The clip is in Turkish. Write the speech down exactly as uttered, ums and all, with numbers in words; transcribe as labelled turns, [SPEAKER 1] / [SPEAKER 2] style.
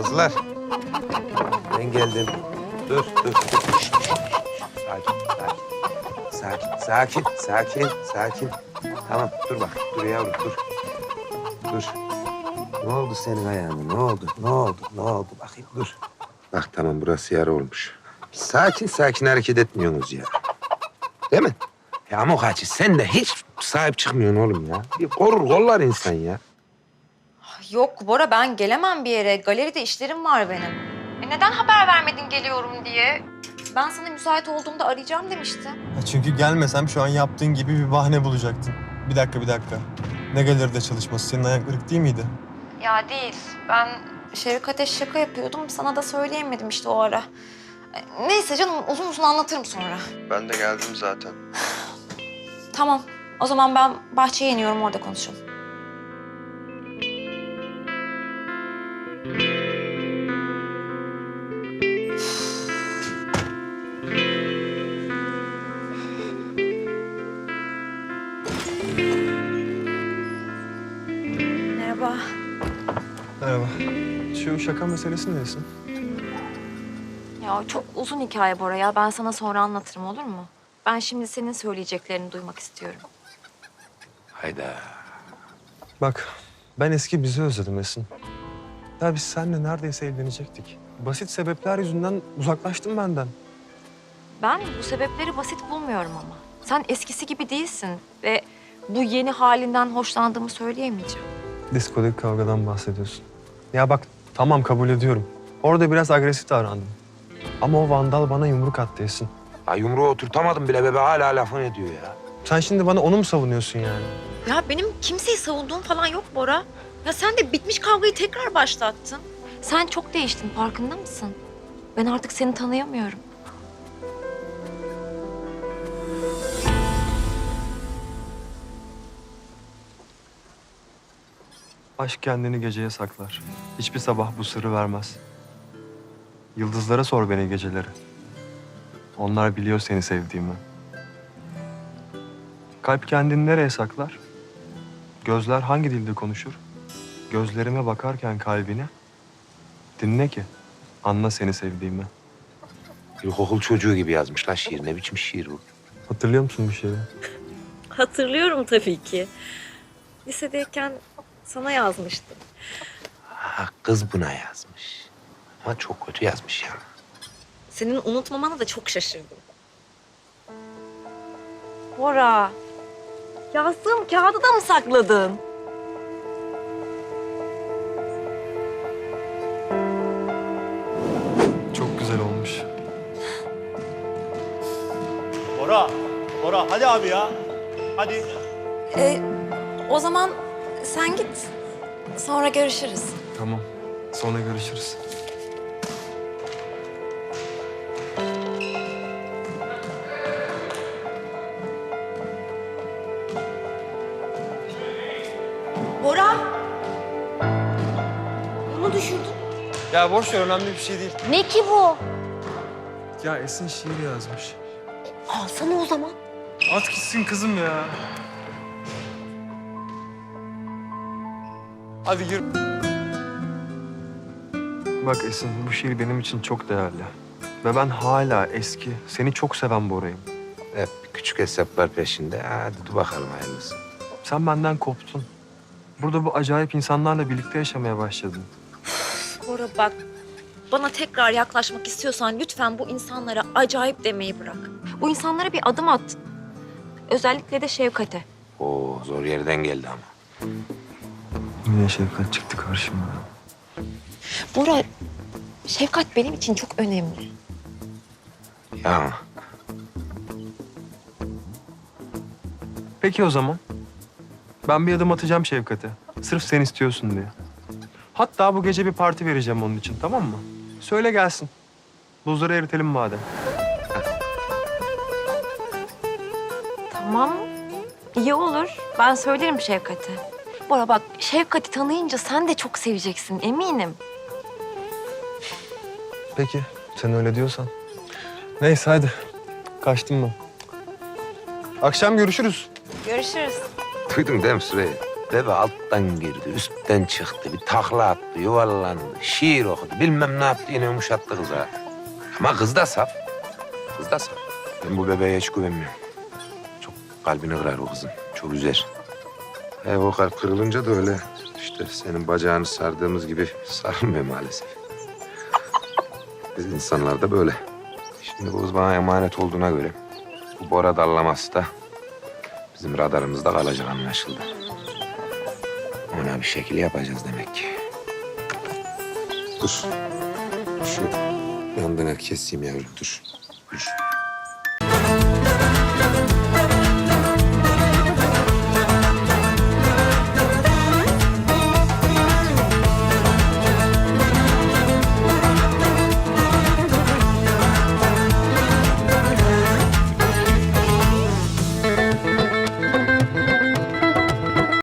[SPEAKER 1] Kızlar. Ben geldim. Dur, dur. Şşt, şşt, şşt. Sakin, sakin. Sakin, sakin, sakin, sakin. Tamam, dur bak. Dur yavrum, dur. Dur. Ne oldu senin ayağına? Ne oldu? Ne oldu? Ne oldu? Bakayım, dur. Bak tamam, burası yara olmuş. Sakin sakin hareket etmiyorsunuz ya. Değil mi? Ya Amokachi, sen de hiç sahip çıkmıyorsun oğlum ya. Bir korur kollar insan ya.
[SPEAKER 2] Yok Bora, ben gelemem bir yere. Galeride işlerim var benim. E neden haber vermedin geliyorum diye? Ben sana müsait olduğumda arayacağım demiştim.
[SPEAKER 3] Ya çünkü gelmesem şu an yaptığın gibi bir bahane bulacaktın. Bir dakika, bir dakika. Ne galeride çalışması? Senin ayağın kırık değil miydi?
[SPEAKER 2] Ya değil. Ben Şevkat'e şaka yapıyordum. Sana da söyleyemedim işte o ara. E, Neyse canım, uzun uzun anlatırım sonra.
[SPEAKER 3] Ben de geldim zaten.
[SPEAKER 2] Tamam. O zaman ben bahçeye iniyorum, orada konuşalım. Merhaba.
[SPEAKER 3] Merhaba. Şu şaka meselesi neyse?
[SPEAKER 2] Ya çok uzun hikaye Bora ya. Ben sana sonra anlatırım, olur mu? Ben şimdi senin söyleyeceklerini duymak istiyorum.
[SPEAKER 1] Hayda.
[SPEAKER 3] Bak, ben eski bizi özledim Esin. Ya biz seninle neredeyse evlenecektik. Basit sebepler yüzünden uzaklaştın benden.
[SPEAKER 2] Ben bu sebepleri basit bulmuyorum ama. Sen eskisi gibi değilsin ve bu yeni halinden hoşlandığımı söyleyemeyeceğim.
[SPEAKER 3] Diskodaki kavgadan bahsediyorsun. Ya bak, tamam kabul ediyorum. Orada biraz agresif davrandım. Ama o vandal bana yumruk attı Esin.
[SPEAKER 1] Ya yumruğu oturtamadım bile, bebe hala lafını ediyor ya.
[SPEAKER 3] Sen şimdi bana onu mu savunuyorsun yani?
[SPEAKER 2] Ya benim kimseyi savunduğum falan yok Bora. Ya sen de bitmiş kavgayı tekrar başlattın. Sen çok değiştin, farkında mısın? Ben artık seni tanıyamıyorum.
[SPEAKER 3] Aşk kendini geceye saklar. Hiçbir sabah bu sırrı vermez. Yıldızlara sor beni geceleri. Onlar biliyor seni sevdiğimi. Kalp kendini nereye saklar? Gözler hangi dilde konuşur? Gözlerime bakarken kalbine dinle ki anla seni sevdiğimi.
[SPEAKER 1] İlkokul çocuğu gibi yazmış lan şiir. Ne biçim şiir bu?
[SPEAKER 3] Hatırlıyor musun bir şeyi?
[SPEAKER 2] Hatırlıyorum tabii ki. Lisedeyken sana yazmıştım.
[SPEAKER 1] Ha, kız buna yazmış. Ama çok kötü yazmış ya.
[SPEAKER 2] Senin unutmamana da çok şaşırdım. Bora, yazdığım kağıdı da mı sakladın?
[SPEAKER 3] Çok güzel olmuş.
[SPEAKER 4] Bora, Bora hadi abi ya. Hadi.
[SPEAKER 2] Ee, o zaman sen git. Sonra görüşürüz.
[SPEAKER 3] Tamam. Sonra görüşürüz.
[SPEAKER 2] Bora! Bunu düşürdün.
[SPEAKER 3] Ya boş ver, önemli bir şey değil.
[SPEAKER 2] Ne ki bu?
[SPEAKER 3] Ya Esin şiir yazmış.
[SPEAKER 2] Alsana o zaman.
[SPEAKER 3] At gitsin kızım ya. Hadi gir. Bak Esin, bu şiir benim için çok değerli. Ve ben hala eski, seni çok seven Bora'yım.
[SPEAKER 1] Hep küçük hesaplar peşinde. Hadi dur bakalım hayırlısı.
[SPEAKER 3] Sen benden koptun. Burada bu acayip insanlarla birlikte yaşamaya başladın.
[SPEAKER 2] Bora bak, bana tekrar yaklaşmak istiyorsan lütfen bu insanlara acayip demeyi bırak. Bu insanlara bir adım at. Özellikle de Şevkat'e.
[SPEAKER 1] Oo, zor yerden geldi ama.
[SPEAKER 3] Yine Şevkat çıktı karşıma.
[SPEAKER 2] Bora, Şevkat benim için çok önemli.
[SPEAKER 1] Ya
[SPEAKER 3] Peki o zaman. Ben bir adım atacağım Şevkat'e. Sırf sen istiyorsun diye. Hatta bu gece bir parti vereceğim onun için, tamam mı? Söyle gelsin. Buzları eritelim madem.
[SPEAKER 2] Tamam, iyi olur. Ben söylerim Şevkat'e. Bora bak, Şevkat'i tanıyınca sen de çok seveceksin, eminim.
[SPEAKER 3] Peki, sen öyle diyorsan. Neyse hadi. Kaçtım ben. Akşam görüşürüz.
[SPEAKER 2] Görüşürüz.
[SPEAKER 1] duydun değil mi Süreyya? Bebe alttan girdi, üstten çıktı, bir takla attı, yuvarlandı, şiir okudu. Bilmem ne yaptı, yine yumuşattı kıza. Ama kız da saf. Kız da saf. Ben bu bebeğe hiç güvenmiyorum. Çok kalbini kırar o kızın, çok üzer. E, o kalp kırılınca da öyle işte senin bacağını sardığımız gibi sarılmıyor maalesef. Biz insanlar da böyle. Şimdi bu kız bana emanet olduğuna göre bu Bora dallaması da bizim radarımızda kalacak anlaşıldı. Ona bir şekil yapacağız demek ki. Dur. Şu yandığını keseyim yavrum, dur. Dur.